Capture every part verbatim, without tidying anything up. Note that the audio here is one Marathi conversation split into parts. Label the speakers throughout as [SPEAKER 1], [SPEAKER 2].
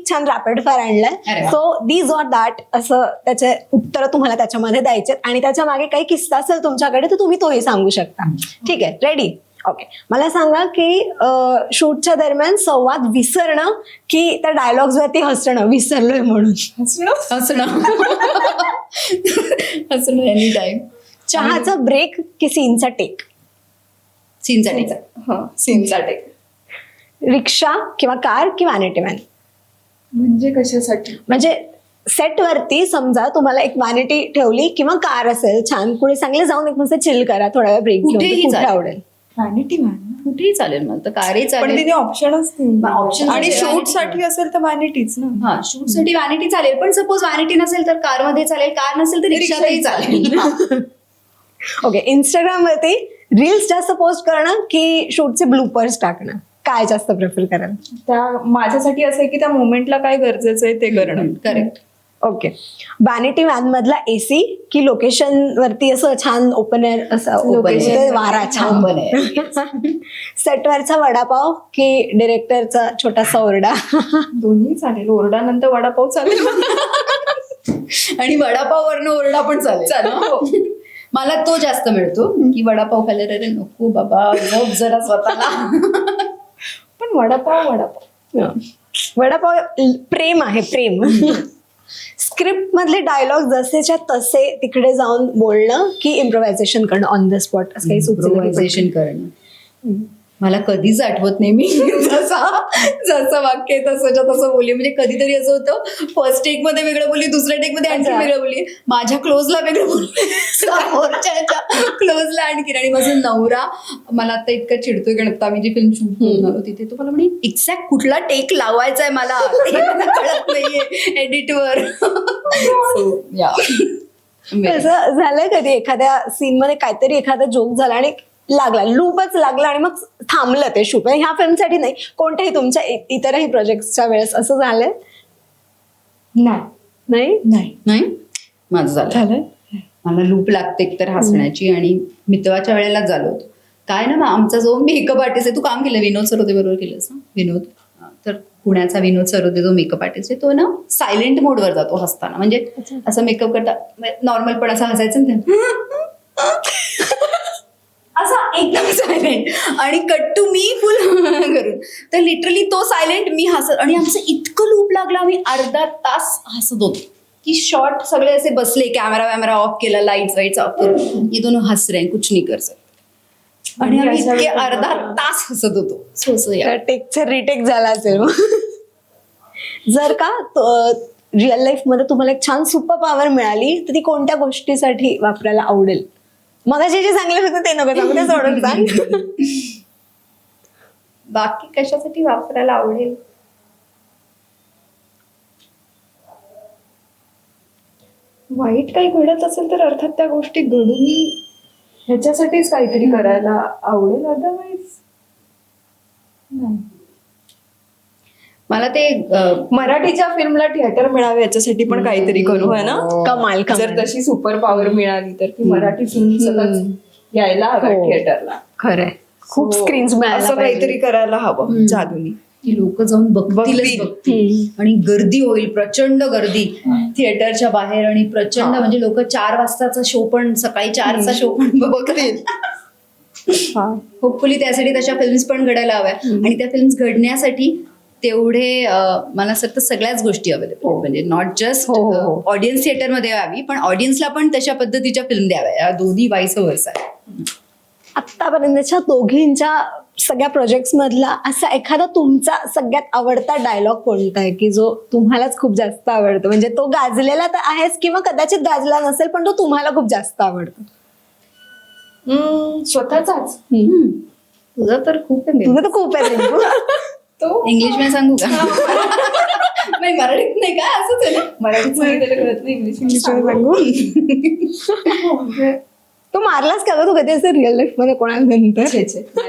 [SPEAKER 1] एक छान रॅपिड फायर आणलाय. सो दीज ऑर दॅट असं त्याचे उत्तर तुम्हाला त्याच्यामध्ये द्यायचे आणि त्याच्या मागे काही किस्सा असेल तुमच्याकडे तर तुम्ही तोही सांगू शकता. ठीक आहे, रेडी? ओके. मला सांगा की शूटच्या दरम्यान संवाद विसरणं की त्या डायलॉग्स वरती हसणं, विसरलोय म्हणून.
[SPEAKER 2] हसणं हसणं हसणं एनी टाइम.
[SPEAKER 1] चहाचा ब्रेक की सीनचा टेक?
[SPEAKER 2] सीनचा टेक.
[SPEAKER 3] हा, सीनचा टेक.
[SPEAKER 1] रिक्षा किंवा कार की व्हॅनिटी व्हॅन?
[SPEAKER 3] म्हणजे कशासाठी?
[SPEAKER 1] म्हणजे सेट वरती समजा तुम्हाला एक व्हॅनिटी ठेवली किंवा कार असेल छान, कुणी सांगले जाऊन एक मस्त चिल करा, थोडा वेळ ब्रेक
[SPEAKER 2] कुठेही
[SPEAKER 1] घेऊन, कुठे
[SPEAKER 2] चालेल.
[SPEAKER 1] आवडेल?
[SPEAKER 3] Vanity van.
[SPEAKER 2] कुठेही चालेल मला तर, कारही
[SPEAKER 3] पण
[SPEAKER 2] चालेल.
[SPEAKER 3] तिथे ऑप्शनच
[SPEAKER 2] Option
[SPEAKER 3] नाही. आणि
[SPEAKER 2] साठी
[SPEAKER 3] शूट
[SPEAKER 2] vanity
[SPEAKER 3] साठी असेल तर व्हॅनिटीच ना.
[SPEAKER 2] हा, शूट साठी व्हॅनिटी चालेल, पण सपोज व्हॅनिटी नसेल तर कार मध्ये चालेल, कार नसेल तर रिक्षातही चालेल.
[SPEAKER 1] ओके. इंस्टाग्राम वरती रील्स जास्त पोस्ट करणं की शूटचे ब्लूपर्स टाकणं, काय जास्त प्रेफर कराल?
[SPEAKER 3] त्या माझ्यासाठी असं आहे की त्या मोमेंटला काय गरजेचं आहे ते करणं.
[SPEAKER 2] करेक्ट.
[SPEAKER 1] ओके. व्हॅनिटी व्हॅन मधला एसी की लोकेशन वरती असं छान ओपन एअर असं
[SPEAKER 2] Open air.
[SPEAKER 1] वारा छान?
[SPEAKER 2] Open air.
[SPEAKER 1] सेटवरचा वडापाव की डिरेक्टरचा छोटासा ओरडा?
[SPEAKER 3] दोन्ही चालेल. ओरडानंतर वडापाव चालेल.
[SPEAKER 2] आणि वडापाव वरनं ओरडा पण चालेल.
[SPEAKER 3] चालेल.
[SPEAKER 2] मला तो जास्त मिळतो की वडापाव खायला, रे नको बाबा जप जरा स्वतःला.
[SPEAKER 3] पण वडापाव वडापाव
[SPEAKER 1] वडापाव प्रेम आहे, प्रेम. स्क्रिप्ट मधले डायलॉग जसेच्या तसे तिकडे जाऊन बोलणं की इम्प्रोव्हायझेशन करणं ऑन द स्पॉट, असं काही सुचलं?
[SPEAKER 2] इम्प्रोव्हायझेशन करणं. मला कधीच आठवत नाही मी जसा जसं वाक्य आहे तसंच्या तसं बोलली. म्हणजे कधीतरी असं होतं, फर्स्ट टेक मध्ये वेगळं बोलली, दुसऱ्या टेक मध्ये आणखी वेगळं बोलली, माझ्या क्लोजला वेगळं बोलली, समोरच्या क्लोजला आणखी. आणि माझा नवरा मला आता इतका चिडतोय, कारण आता आम्ही जी फिल्म शूट करून आलो तिथे तो मला म्हणे एक्झॅक्ट कुठला टेक लावायचा आहे मला ते मला कळत नाहीये एडिटवर.
[SPEAKER 1] असं झालंय कधी एखाद्या सीन मध्ये काहीतरी एखादा जोक झाला आणि लागला, लूपच लागला आणि मग थांबलं ते शूट? ह्या फिल्मसाठी नाही, कोणत्याही तुमच्या इतरही प्रोजेक्टच्या वेळेस असं झालंय?
[SPEAKER 3] नाही
[SPEAKER 1] नाही
[SPEAKER 2] नाही माझं झालं.
[SPEAKER 3] झालं.
[SPEAKER 2] मला लूप लागते एकतर हसण्याची, आणि मितवाच्या वेळेलाच झालं होतं. काय ना, मग आमचा जो मेकअप आर्टिस्ट आहे, तू काम केलं विनोद सरोदे बरोबर केलंस ना? विनोद, तर पुण्याचा विनोद सरोदे जो मेकअप आर्टिस्ट आहे तो ना सायलेंट मोडवर जातो हसताना. म्हणजे असं मेकअप करता नॉर्मल पण असं हसायचं ना, असा एकदम सायलेंट, आणि कट टू मी फुल करून. तर लिटरली तो सायलेंट, मी हसत, आणि आमचं इतकं लूप लागलं, आम्ही अर्धा तास हसत होतो की शॉर्ट सगळे असे बसले, कॅमेरा वॅमेरा ऑफ केला, लाईट्स वाईट्स ऑफ करून, ये दोनों हस रहे हैं, कुछ नहीं कर सकते. आणि आम्ही इतके अर्धा तास हसत होतो. सो सो या
[SPEAKER 1] टेकचा रिटेक झाला असेल मग. जर का रिअल लाईफ मध्ये तुम्हाला एक छान सुपर पॉवर मिळाली तर ती कोणत्या गोष्टीसाठी वापरायला आवडेल? मगाशी जे चांगले होते ते नको सांगू, ते सोडून सांग.
[SPEAKER 3] बाकी कशासाठी वापरायला आवडेल? वाईट काही घडत असेल तर अर्थात त्या गोष्टी घडून ह्याच्यासाठीच काहीतरी करायला आवडेल. अदरवाईज नाही.
[SPEAKER 2] मला ते
[SPEAKER 3] मराठीच्या फिल्मला थिएटर मिळावे याच्यासाठी पण काहीतरी करू, है ना?
[SPEAKER 1] कमाल
[SPEAKER 3] जर
[SPEAKER 1] कमाल.
[SPEAKER 3] तशी सुपर पॉवर मिळाली तर की मराठी फिल्म सतत यायला हव्या
[SPEAKER 1] हो.
[SPEAKER 3] थिएटरला.
[SPEAKER 1] खरंय, खूप
[SPEAKER 3] So,
[SPEAKER 1] स्क्रीन्स मिळायला
[SPEAKER 3] असं
[SPEAKER 1] पाहिजे.
[SPEAKER 3] काहीतरी करायला हवं जादूनी.
[SPEAKER 2] की लोक जाऊन बघतीलच
[SPEAKER 3] बघतील.
[SPEAKER 2] बघतील, आणि गर्दी होईल, प्रचंड गर्दी थिएटरच्या बाहेर, आणि प्रचंड म्हणजे लोक चार वाजताचा शो पण, सकाळी चारचा शो पण बघतील. होपफुली त्यासाठी तशा फिल्म्स पण घडायला हव्या, आणि त्या फिल्म्स घडण्यासाठी तेवढे अं, मला असं वाटतं सगळ्याच गोष्टी अवेलेबल, म्हणजे नॉट जस्ट
[SPEAKER 1] हो, हो, हो.
[SPEAKER 2] ऑडियन्स थिएटरमध्ये यावी, पण ऑडियन्सला पण तशा पद्धतीच्या फिल्म द्याव्या. या दोन्ही वाईस वर्सा आहे.
[SPEAKER 1] आतापर्यंतच्या दोघींच्या सगळ्या प्रोजेक्ट्स मधला असा एखादा तुमचा सगळ्यात आवडता डायलॉग कोणता आहे की जो तुम्हालाच खूप जास्त आवडतो? म्हणजे तो गाजलेला तर आहेच किंवा कदाचित गाजला नसेल पण तो तुम्हाला खूप जास्त आवडतो.
[SPEAKER 3] स्वतःचाच.
[SPEAKER 2] तुझं तर खूप आहे.
[SPEAKER 1] तुझं तर खूप आहे रिंकू.
[SPEAKER 3] तो
[SPEAKER 2] इंग्लिश मध्ये सांगू का? नाही, मराठीत नाही का? असंच आहे ना.
[SPEAKER 3] मराठीत सांगितलेलं कळत नाही, इंग्लिश
[SPEAKER 1] इंग्लिश सांगू. तो मारलास का ग तू कधी असं रिअल लाईफ मध्ये कोणाला नंतर?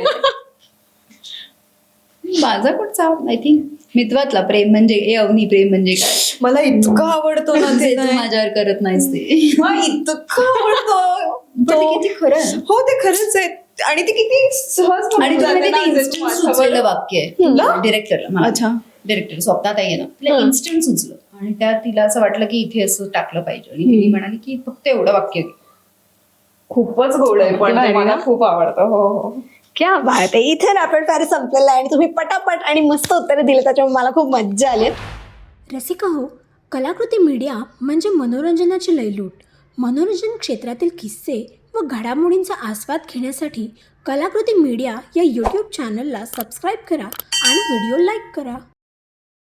[SPEAKER 2] माझा कुठचा आय थिंक मितवातला प्रेम म्हणजे ए अवनी प्रेम म्हणजे काय,
[SPEAKER 3] मला इतकं आवडतो ना
[SPEAKER 2] जे
[SPEAKER 3] ते.
[SPEAKER 2] तू माझ्यावर करत नाहीस ते.
[SPEAKER 3] हा, इतकं आवडतो.
[SPEAKER 2] पण ते किती खरं आहे.
[SPEAKER 3] हो, ते खरंच आहे. आणि ते किती सहज
[SPEAKER 2] आणि
[SPEAKER 3] बोलून
[SPEAKER 2] तुला
[SPEAKER 3] जाते ना,
[SPEAKER 2] ते
[SPEAKER 3] जसं
[SPEAKER 2] इन्स्टंट
[SPEAKER 3] माझ्यावर.
[SPEAKER 2] सुचलेलं वाक्य आहे डिरेक्टरला.
[SPEAKER 3] अच्छा.
[SPEAKER 2] डिरेक्टर स्वप्नाताई आहे ना, तिला
[SPEAKER 1] हं.
[SPEAKER 2] इन्स्टंट सुचलं आणि त्या तिला असं वाटलं की इथे असं टाकलं पाहिजे आणि तिने म्हणाली की फक्त एवढं वाक्य घे.
[SPEAKER 3] खूपच गोड आहे पण ते
[SPEAKER 1] भारी
[SPEAKER 3] मला
[SPEAKER 1] ना?
[SPEAKER 3] खूप आवडतं. हो हो
[SPEAKER 1] क्या बात आहे. इथे रॅपिड फायर संपलेला आहे आणि तुम्ही पटापट आणि मस्त उत्तरे दिले, त्याच्यामुळे मला खूप मज्जा आली.
[SPEAKER 4] रसिका हो, कलाकृती मीडिया म्हणजे मनोरंजनाची लयलूट. मनोरंजन क्षेत्रातील किस्से व घडामोडींचा आस्वाद घेण्यासाठी कलाकृती मीडिया या यूट्यूब चॅनलला सबस्क्राईब करा आणि व्हिडिओ लाईक करा.